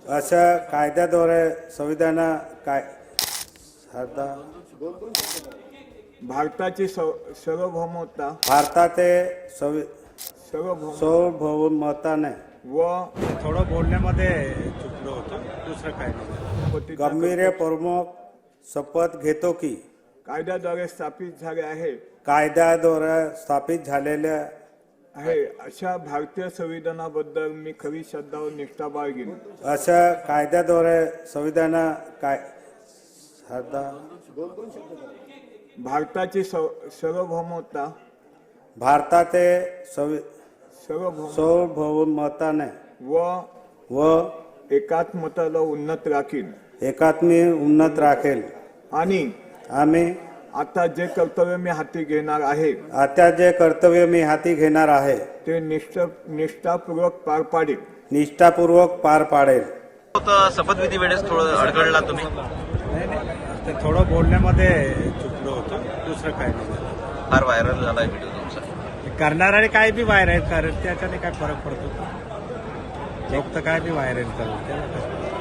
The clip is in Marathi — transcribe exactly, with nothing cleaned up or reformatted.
अशा कायद्याद्वारे संविधान काय भारताची सव- सार्वभौमता भारताचे संवि सार्वभौम सार्वभौमताने व थोडं बोलण्यामध्ये चुकलो होतो, दुसरं काय नाही. गांभीर्यपूर्वक शपथ घेतो की कायद्याद्वारे स्थापित झाले आहे कायद्याद्वारे स्थापित झालेल्या आहे अशा भारतीय संविधानाबद्दल मी खरी श्रद्धा व निष्ठा बाळगीन. अशा कायद्याद्वारे संविधान काय भारताची सव- सार्वभौमता भारताचे संवि सार्वभौम सार्वभौमताने व व एकात्मताला उन्नत राखीन एकात्मी उन्नत राखेल आणि आम्ही आता जे कर्तव्य मी हाती घेणार आहे आता जे कर्तव्य मी हाती घेणार आहे ते निष्ठ निष्ठापूर्वक पार पाडेल. निष्ठापूर्वक पार पाडेल. होतं शपथविधी वेळेस थोडं अडगळला तुम्ही. नाही नाही ते थोडं बोलण्यामध्ये चुकलो होतो, दुसरं काय नाही. फार व्हायरल झालाय व्हिडिओ तुमचा. ते करणारे काय बी व्हायरल कारण त्याच्याने काय फरक पडतो. लोक तर काय बी व्हायरल करतात त्याला काय.